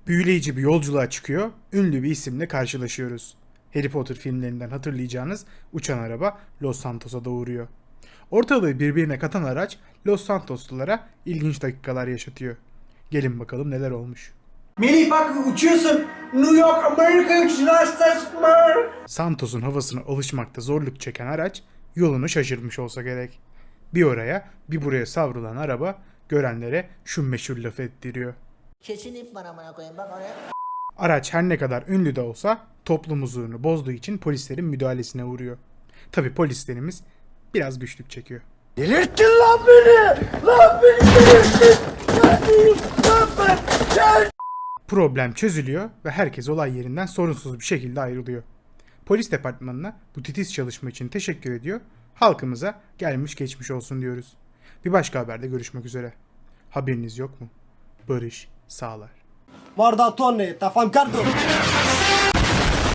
Büyüleyici bir yolculuğa çıkıyor, ünlü bir isimle karşılaşıyoruz. Harry Potter filmlerinden hatırlayacağınız uçan araba Los Santos'a da uğruyor. Ortalığı birbirine katan araç Los Santoslulara ilginç dakikalar yaşatıyor. Gelin bakalım neler olmuş. Melih bak uçuyorsun. New York, Amerika uçuyorsun. Santos'un havasına alışmakta zorluk çeken araç yolunu şaşırmış olsa gerek. Bir oraya bir buraya savrulan araba görenlere şu meşhur lafı ettiriyor. Kesin ip var amına koyayım bak oraya. Araç her ne kadar ünlü de olsa toplum huzurunu bozduğu için polislerin müdahalesine uğruyor. Tabi polislerimiz biraz güçlük çekiyor. Delirttin lan beni! Lan beni delirttin! Lan ben! Problem çözülüyor ve herkes olay yerinden sorunsuz bir şekilde ayrılıyor. Polis departmanına bu titiz çalışma için teşekkür ediyor. Halkımıza gelmiş geçmiş olsun diyoruz. Bir başka haberde görüşmek üzere. Haberiniz yok mu? Barış sağlar. Guarda Tony, t'affancardo!